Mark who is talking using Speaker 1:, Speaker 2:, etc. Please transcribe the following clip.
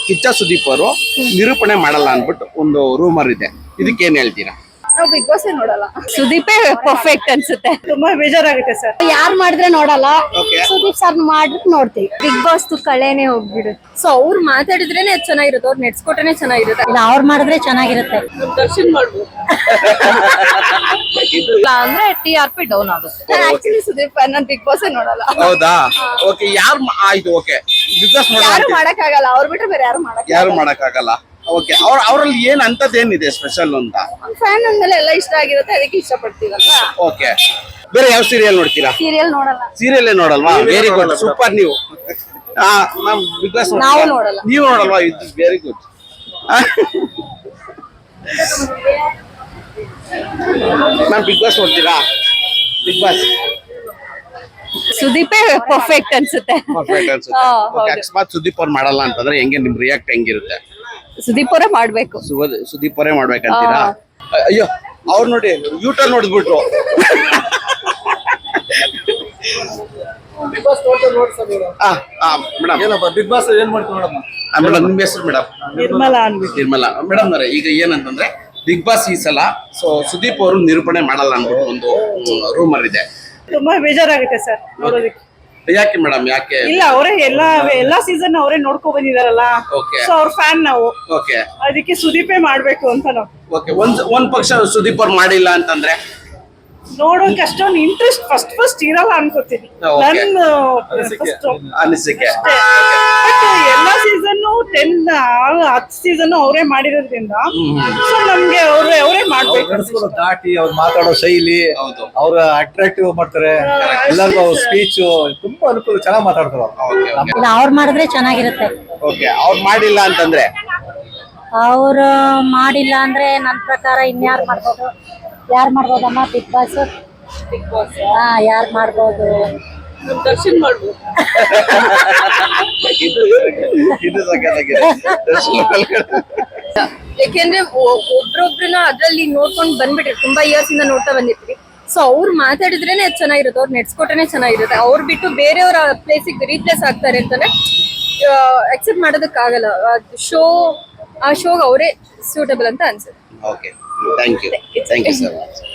Speaker 1: ಕಿಚ್ಚ ಸುದೀಪ್ ಅವರು ನಿರೂಪಣೆ ಮಾಡಲ್ಲ ಅನ್ಬಿಟ್ಟು ಒಂದು ರೂಮರ್ ಇದೆ, ಇದಕ್ಕೇನ್ ಹೇಳ್ತೀರಾ?
Speaker 2: ನಾವು ಬಿಗ್ ಬಾಸ್ ನೋಡಲ್ಲ. ಸುದೀಪೇ ಪರ್ಫೆಕ್ಟ್ ಅನ್ಸುತ್ತೆ.
Speaker 3: ತುಂಬಾ ಬೇಜಾರಾಗುತ್ತೆ ಸರ್.
Speaker 2: ಯಾರ್ ಮಾಡಿದ್ರೆ ನೋಡಲ್ಲ,
Speaker 1: Okay.
Speaker 2: ಸುದೀಪ್ ಸರ್ ಮಾಡಿದ್ರೆ ನೋಡ್ತೀವಿ. ಬಿಗ್ ಬಾಸ್ ಕಳೆನೆ ಹೋಗ್ಬಿಡುತ್ತೆ. ಸೊ ಅವ್ರು ಮಾತಾಡಿದ್ರೇನೆ ಚೆನ್ನಾಗಿರುತ್ತೆ, ಅವ್ರು ನೆಡ್ಸ್ಕೊಟ್ರೇನೆ ಚೆನ್ನಾಗಿರುತ್ತೆ.
Speaker 4: ಇಲ್ಲ ಅವ್ರು ಮಾಡಿದ್ರೆ ಚೆನ್ನಾಗಿರುತ್ತೆ.
Speaker 3: ದರ್ಶನ್ ಮಾಡ್ಬೋದು.
Speaker 2: ಇಲ್ಲ ಅಂದ್ರೆ TRP ಡೌನ್ ಆಗುತ್ತೆ. ಆಕ್ಚುಲಿ ಸುದೀಪ್ ನಾನು ಬಿಗ್ ಬಾಸ್ ನೋಡಲ್ಲ.
Speaker 1: ಹೌದಾ? ಓಕೆ, ಆಯ್ತು. ಓಕೆ, ಬಿಗ್ ಬಾಸ್
Speaker 2: ಯಾರು ಮಾಡಕ್ ಆಗಲ್ಲ, ಅವ್ರು ಬಿಟ್ರೆ ಬೇರೆ
Speaker 1: ಯಾರು ಮಾಡಕ್ಕಾಗಲ್ಲ. ಓಕೆ, ಅವ್ರಲ್ಲಿ ಏನ್ ಅಂತದ್ದೇನಿದೆ ಸ್ಪೆಷಲ್ ಅಂತ?
Speaker 2: ಫ್ಯಾನ್ ಅಂದ್ಮೇಲೆ ಎಲ್ಲ ಇಷ್ಟ ಆಗಿರುತ್ತೆ, ಅದಕ್ಕೆ ಇಷ್ಟಪಡ್ತೀವಲ್ವಾ.
Speaker 1: ಓಕೆ, ಬೇರೆ ಯಾವ ಸೀರಿಯಲ್ ನೋಡ್ತೀರಾ?
Speaker 2: ಸೀರಿಯಲ್ ನೋಡಲ್ಲ.
Speaker 1: ಸೀರಿಯಲ್ ನೋಡಲ್ವಾ? Very good, super. ನೀವು ಬಿಗ್ ಬಾಸ್
Speaker 2: ನಾವು ನೋಡಲ್ಲ.
Speaker 1: ನೀವು ನೋಡಲ್ವಾ? ಇದು very good. Ma'am, big boss ನೋಡ್ತೀರಾ? ಬಿಗ್ ಬಾಸ್
Speaker 2: ಸುದೀಪೇ ಪರ್ಫೆಕ್ಟ್ ಅನ್ಸುತ್ತೆ.
Speaker 1: ಪರ್ಫೆಕ್ಟ್ ಅನ್ಸುತ್ತೆ. ಓಕೆ, ಅಕಸ್ಮಾತ್ ಸುದೀಪ್ ಅವ್ರು ಮಾಡಲ್ಲ ಅಂತಂದ್ರೆ ಹೆಂಗೆ ನಿಮ್ ರಿಯಾಕ್ಟ್ ಹೆಂಗಿರುತ್ತೆ?
Speaker 2: ಸುದೀಪ್ ಅವರೇ ಮಾಡ್ಬೇಕು.
Speaker 1: ಸುದೀಪ್ ಅವರೇ ಮಾಡ್ಬೇಕಂತೀರಾ? ಅಯ್ಯೋ, ಅವ್ರು ನೋಡಿ ಯೂಟರ್ ನೋಡಿದ್ಬಿಟ್ರು. ಮೇಡಮ್,
Speaker 5: ಏನಪ್ಪ ಬಿಗ್ ಬಾಸ್ ಏನ್ ಮಾಡ್ತೀವಿ ನೋಡಮ್ಮ?
Speaker 1: ಮೇಡಮ್ ನಿಮ್ಮ ಹೆಸರು? ಮೇಡಮ್
Speaker 3: ನಿರ್ಮಲಾ ಅನ್ಬಿಟ್ಟು.
Speaker 1: ನಿರ್ಮಲಾ ಮೇಡಮ್ ಅವರೇ, ಈಗ ಏನಂತಂದ್ರೆ ಬಿಗ್ ಬಾಸ್ ಈ ಸಲ ಸುದೀಪ್ ಅವರು ನಿರೂಪಣೆ ಮಾಡಲ್ಲ ಅನ್ಬಿಟ್ಟು ಒಂದು ರೂಮರ್ ಇದೆ.
Speaker 3: ತುಂಬಾ ಬೇಜಾರಾಗುತ್ತೆ ಸರ್ ನೋಡೋದಕ್ಕೆ.
Speaker 1: ಯಾಕೆ ಮೇಡಮ್, ಯಾಕೆ?
Speaker 3: ಇಲ್ಲ, ಅವರೇ ಎಲ್ಲಾ ಸೀಸನ್ ಅವರೇ ನೋಡ್ಕೊ ಬಂದಿದಾರಲ್ಲ.
Speaker 1: ಓಕೆ.
Speaker 3: ಸೊ ಅವ್ರ ಫ್ಯಾನ್ ನಾವು,
Speaker 1: ಓಕೆ.
Speaker 3: ಅದಕ್ಕೆ ಸುದೀಪೇ ಮಾಡ್ಬೇಕು ಅಂತ ನಾವು
Speaker 1: ಓಕೆ, ಒಂದ್ ಪಕ್ಷ ಸುದೀಪ್ ಅವ್ರು ಮಾಡಿಲ್ಲ ಅಂತಂದ್ರೆ
Speaker 3: ನೋಡೋಕೆ ಅಷ್ಟೊಂದು ಇಂಟ್ರೆಸ್ಟ್ ಫಸ್ಟ್ ಇರಲ್ಲ ಅನ್ಕೋತೀನಿ.
Speaker 1: Okay.
Speaker 3: ನನ್ನ
Speaker 1: ಅನಿಸಿಕೆ.
Speaker 3: ಎಲ್ಲಾ ಸೀಸನ್ 10 ಸೀಸನ್ ಅವರೇ ಮಾಡಿರೋದ್ರಿಂದ ಸೊ ನಮ್ಗೆ ಅವರೇ ಮಾಡ್ಬೇಕು.
Speaker 5: ಗಂಡಸ್ಗಳು ದಾಟಿ ಅವ್ರು ಮಾತಾಡೋ ಶೈಲಿ,
Speaker 1: ಹೌದು.
Speaker 5: ಅವ್ರ ಅಟ್ರಾಕ್ಟಿವ್ ಮಾಡ್ತಾರೆ. ಎಲ್ಲರಿಗೂ ಅವ್ರ ಸ್ಪೀಚ್ ತುಂಬಾ ಅನುಕೂಲ, ಚೆನ್ನಾಗಿ ಮಾತಾಡ್ತಾರೆ
Speaker 1: ಓಕೆ, ಓಕೆ.
Speaker 4: ಇಲ್ಲ ಅವ್ರು ಮಾಡಿದ್ರೆ ಚೆನ್ನಾಗಿರುತ್ತೆ.
Speaker 1: ಓಕೆ, ಅವ್ರು ಮಾಡಿಲ್ಲ ಅಂತಂದ್ರೆ
Speaker 4: ಅವ್ರು ಮಾಡಿಲ್ಲ ಅಂದ್ರೆ ನನ್ನ ಪ್ರಕಾರ ಇನ್ಯಾರು ಮಾಡ್ಬೋದು? ಯಾರು ಮಾಡ್ಬೋದಮ್ಮ ಬಿಗ್ ಬಾಸ್? ಹಾ, ಯಾರು ಮಾಡ್ಬೋದು?
Speaker 3: ದರ್ಶನ್ ಮಾಡ್ಬೋದು.
Speaker 1: ಇದು ಸಖತ್ತಾಗಿದೆ.
Speaker 2: ಯಾಕೆಂದ್ರೆ ಒಬ್ರೊಬ್ರನ್ನ ಅದ್ರಲ್ಲಿ ನೋಡ್ಕೊಂಡ್ ಬಂದ್ಬಿಟ್ರಿ, ತುಂಬಾ ಇಯರ್ಸ್ ಇಂದ ನೋಡ್ತಾ ಬಂದಿರ್ತೀವಿ. ಸೊ ಅವ್ರು ಮಾತಾಡಿದ್ರೇನೆ ಚೆನ್ನಾಗಿರುತ್ತೆ, ಅವ್ರು ನೆಡ್ಸ್ಕೊಟ್ರೇನೆ ಚೆನ್ನಾಗಿರುತ್ತೆ. ಅವ್ರು ಬಿಟ್ಟು ಬೇರೆಯವ್ರ ಪ್ಲೇಸಿಗೆ ರೀಪ್ಲೇಸ್ ಆಗ್ತಾರೆ ಅಂತಂದ್ರೆ ಅಕ್ಸೆಪ್ಟ್ ಮಾಡೋದಕ್ಕಾಗಲ್ಲ. ಆ ಶೋಗೆ ಅವರೇ ಸೂಟಬಲ್ ಅಂತ ಅನ್ಸುತ್ತೆ.
Speaker 1: Okay, thank you sir.